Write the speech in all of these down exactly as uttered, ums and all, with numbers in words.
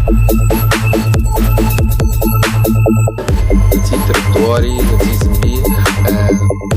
На цій території, на цій землі. Е...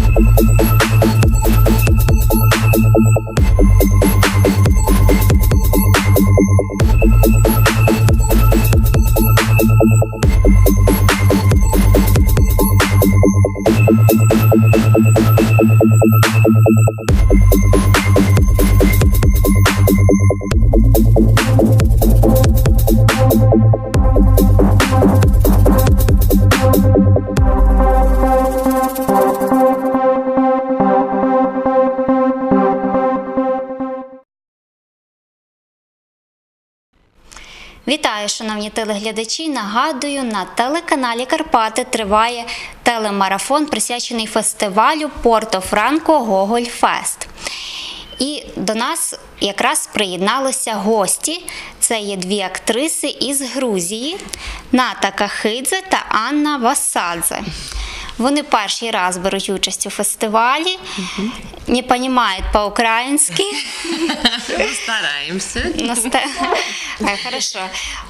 Вітаю, шановні телеглядачі! Нагадую, на телеканалі Карпати триває телемарафон, присвячений фестивалю Порто-Франко Гоголь Фест. І до нас якраз приєдналися гості. Це є дві актриси із Грузії – Ната Кахидзе та Анна Васадзе. Вони перший раз беруть участь у фестивалі, угу. Не розуміють по-українськи. Стараемся. Хорошо.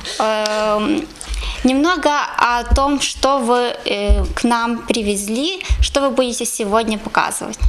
Немного о том, что вы к нам привезли, что вы будете сегодня показывать.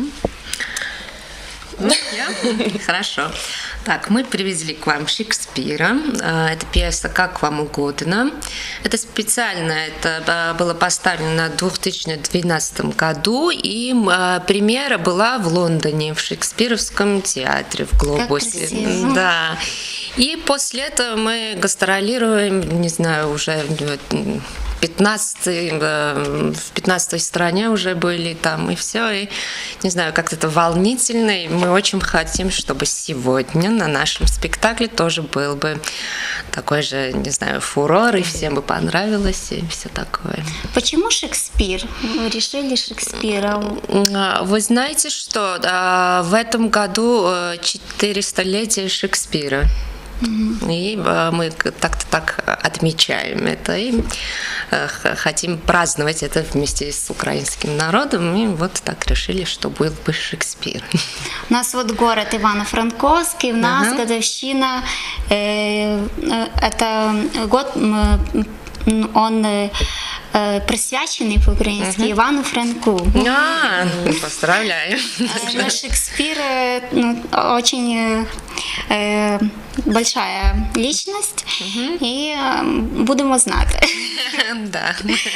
Ну, я? Хорошо. Так, мы привезли к вам Шекспира. Это пьеса «Как вам угодно». Это специально, это было поставлено в две тысячи двенадцатом году, и премьера была в Лондоне, в Шекспировском театре, в Глобусе. Да. И после этого мы гастролируем, не знаю, уже пятнадцатой, в пятнадцатой стране уже были там, и все, и не знаю, как-то это волнительно, и мы очень хотим, чтобы сегодня на нашем спектакле тоже был бы такой же, не знаю, фурор, и всем бы понравилось, и все такое. Почему Шекспир? Вы решили Шекспира? Вы знаете, что в этом году четыреста-летие Шекспира. И мы так-то так отмечаем это и хотим праздновать это вместе с украинским народом. И вот так решили, что был бы Шекспир. У нас вот город Ивано-Франковский, у нас uh-huh. годовщина, э, это год, он э, присвяченный по-украински uh-huh. Ивану Франку. А, поздравляю. Но Шекспир ну, очень э, большая личность, uh-huh. и э, будем знать. Да.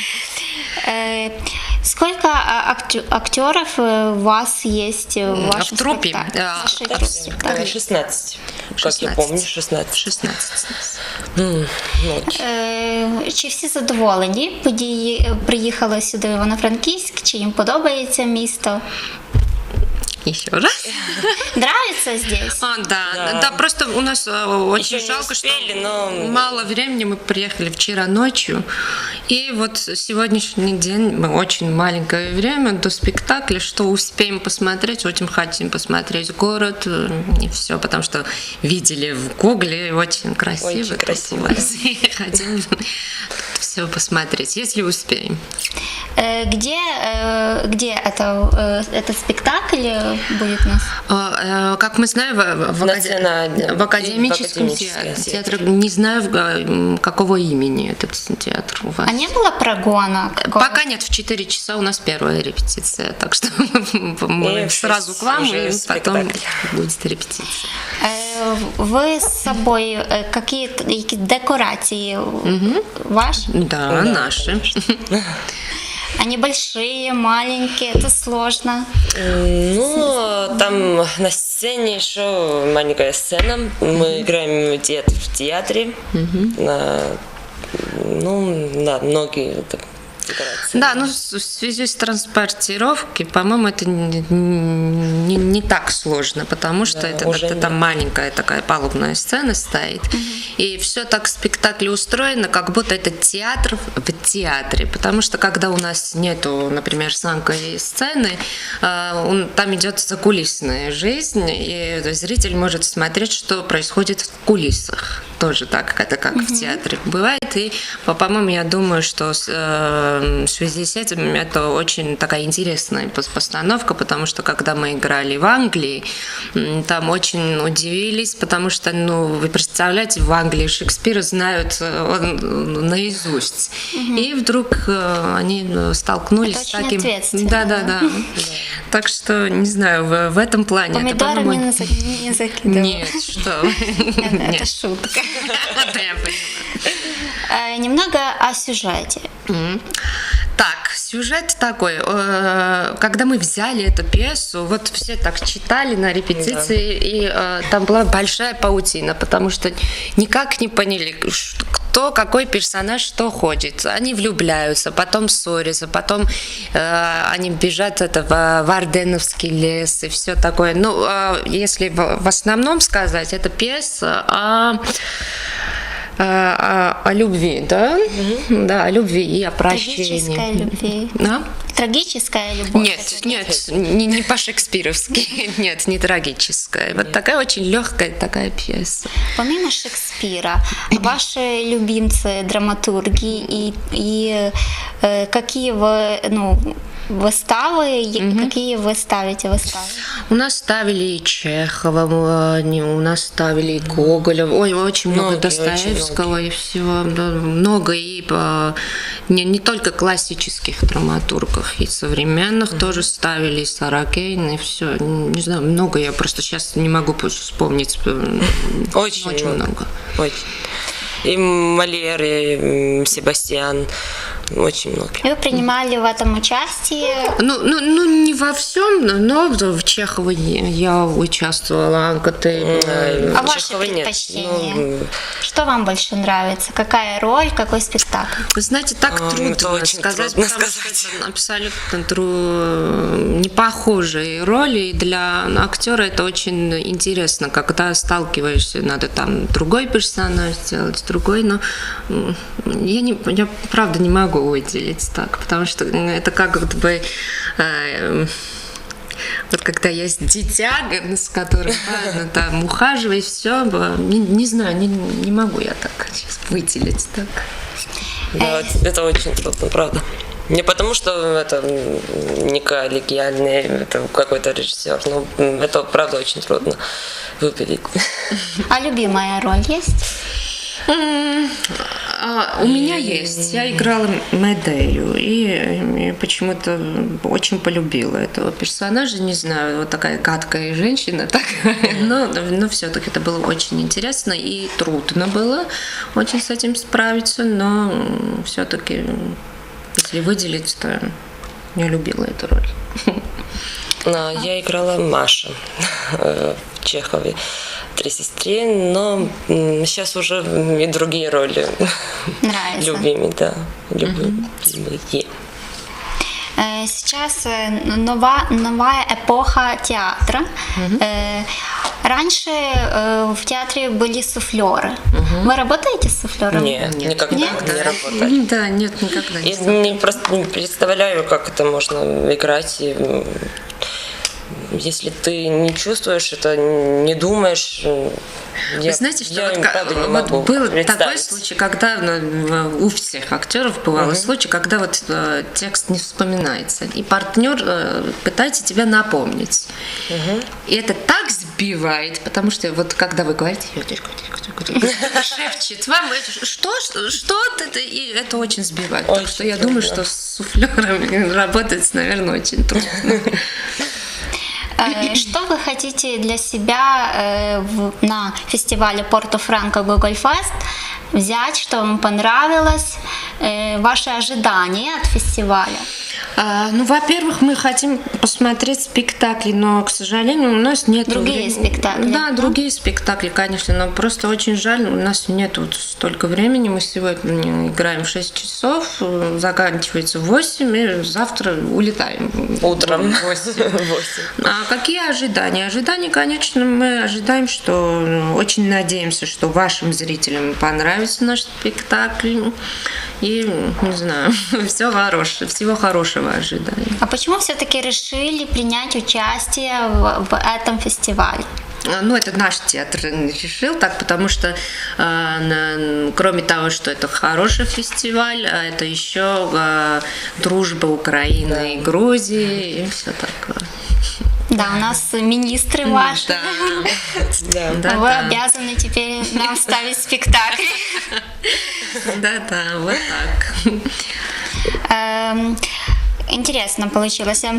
Сколько актеров у вас есть в вашем в труппе? спектакле? шестнадцать. Как я помню, шестнадцать. шестнадцать. Mm, Чи всі задоволені? Приїхали сюди в Івано-Франківськ? Чи їм подобається місто? Еще раз. Нравится здесь? А, да, да. Да, просто у нас очень Еще жалко, успели, что но... мало времени. Мы приехали вчера ночью. И вот сегодняшний день, мы очень маленькое время до спектакля, что успеем посмотреть, очень хотим посмотреть город и все, потому что видели в Гугле, очень красиво. Очень красиво. Хотим все посмотреть, если успеем. Где, где это, этот спектакль будет у нас? Как мы знаем, в, в, акад... в академическом театре. театре. Не знаю, какого имени этот театр у вас. А не было прогона? Какого? Пока нет, в четыре часа у нас первая репетиция, так что мы сразу к вам, и потом будет репетиция. Вы с собой какие-то декорации угу. ваши? Да, да, наши. Они большие, маленькие, это сложно. Ну, там на сцене еще маленькая сцена. Мы играем в театре. На, ну, да, многие декорации. Да, ну в связи с транспортировкой, по-моему, это не, не, не так сложно, потому что да, это, это там маленькая такая палубная сцена стоит. Угу. И все так в спектакле устроено, как будто это театр в театре. Потому что когда у нас нету, например, самой сцены, там идет закулисная жизнь, и зритель может смотреть, что происходит в кулисах. тоже так, это как mm-hmm. в театре бывает. И, по-моему, я думаю, что э, в связи с этим это очень такая интересная постановка, потому что когда мы играли в Англии, там очень удивились, потому что, ну, вы представляете, в Англии Шекспира знают он наизусть. Mm-hmm. И вдруг э, они столкнулись это с таким... Да, да, да. Так что, не знаю, в, в этом плане... Помидоры это, не, не закидывают. Нет, что это шутка. Немного о сюжете. Так, сюжет такой. Когда мы взяли эту пьесу, вот все так читали на репетиции, да. И э, там была большая паутина, потому что никак не поняли, кто, какой персонаж, что хочет. Они влюбляются, потом ссорятся, потом э, они бежат это, в, в Арденновский лес и все такое. Ну, э, если в, в основном сказать, это пьеса о... О, о, о любви, да? Mm-hmm. Да, о любви и о прощении. Трагическая любви. А? Трагическая любовь. Нет, нет, не, не по-шекспировски. Нет, не трагическая. Вот такая очень легкая такая пьеса. Помимо Шекспира, ваши любимцы, драматурги и, и э, какие вы, ну, выставы, mm-hmm. какие вы ставите выставы? У нас ставили и Чехова, у нас ставили и Гоголя, ой, очень много много Достоевского очень и всего, да, много и не, не только классических драматургов, и современных mm-hmm. тоже ставили, и Саракейн, и все, не знаю, много, я просто сейчас не могу вспомнить. Очень, очень много. много. Очень. И Мольер, и Себастьян. Очень много. Вы принимали в этом участие? Ну, ну, ну не во всем, но в Чехове я участвовала. А ваши предпочтения? Ну, что вам больше нравится? Какая роль, какой спектакль? Вы знаете, так а, трудно сказать, трудно потому сказать. что это абсолютно тру... не похожие роли. И для актера это очень интересно, когда сталкиваешься, надо там другой персонаж сделать, другой, но я, не, я правда не могу выделить так, потому что это как будто бы э, вот когда есть дитя, с которым надо там ухаживать, все, не, не знаю, не, не могу я так сейчас выделить так. Да, это очень трудно, правда. Не потому, что это не коллегиальный это какой-то режиссер, но это правда очень трудно выделить. А любимая роль есть? Mm, а, у меня есть. Я играла Медею и, и почему-то очень полюбила этого персонажа. Не знаю, вот такая гадкая женщина, такая, но, но все-таки это было очень интересно и трудно было очень с этим справиться, но все-таки, если выделить, то я любила эту роль. Я играла Маша в Чехове. Три сестры, но сейчас уже и другие роли. Нравится. Любимые, да. Любимые. Mm-hmm. Сейчас нова, новая эпоха театра. Mm-hmm. Раньше в театре были суфлеры. Mm-hmm. Вы работаете с суфлером? Нет, нет, никогда нет? не работали. Да, нет, никогда не. Я не, просто не представляю, как это можно играть. И... Если ты не чувствуешь это, не думаешь, вы я, знаете, что я вот, им, правда, не вот могу был такой случай, когда ну, у всех актеров бывал uh-huh. случай, когда вот э, текст не вспоминается, и партнер э, пытается тебя напомнить. Uh-huh. И это так сбивает, потому что вот когда вы говорите, шепчет вам, что, что, что это, и это очень сбивает. Очень так что я трудно. думаю, что с суфлерами работать, наверное, очень трудно. Что вы хотите для себя на фестивале Порто-Франко Гоголь Фест взять, что вам понравилось, ваши ожидания от фестиваля? А, ну, во-первых, мы хотим посмотреть спектакли, но, к сожалению, у нас нет... Другие времени. спектакли? Да, другие спектакли, конечно, но просто очень жаль, у нас нет вот столько времени. Мы сегодня играем в шесть часов, заканчивается в восемь, и завтра улетаем. Утром. В восемь. А какие ожидания? Ожидания, конечно, мы ожидаем, что... Очень надеемся, что вашим зрителям понравится наш спектакль. И, не знаю, все хорошее, всего хорошего ожидания. А почему все-таки решили принять участие в, в этом фестивале? Ну, это наш театр решил так, потому что э, кроме того, что это хороший фестиваль, это еще э, дружба Украины да. и Грузии и все такое. Да, у нас министры ваши. Да. Да, да, Вы да. обязаны теперь нам ставить спектакль. Да-да, вот так. Інтересно получилося.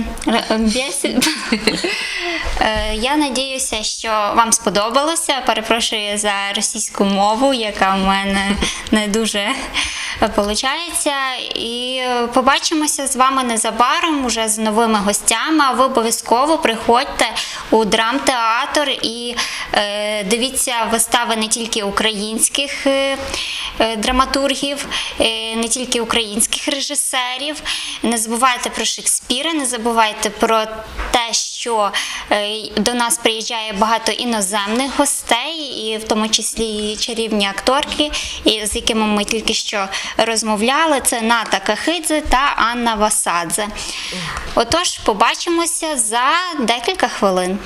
Я надіюся, що вам сподобалося. Перепрошую за російську мову, яка в мене не дуже виходить. І побачимося з вами незабаром уже з новими гостями. А ви обов'язково приходьте у драмтеатр і е, дивіться вистави не тільки українських е, драматургів, е, не тільки українських режисерів. Не забувайте про Шекспіра, не забувайте про те, що е, до нас приїжджає багато іноземних гостей, і в тому числі і чарівні акторки, і з якими ми тільки що розмовляли. Це Ната Кахидзе та Анна Васадзе. Отож, побачимося за декілька хвилин.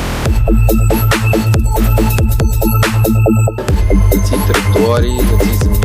На цій території, на цій землі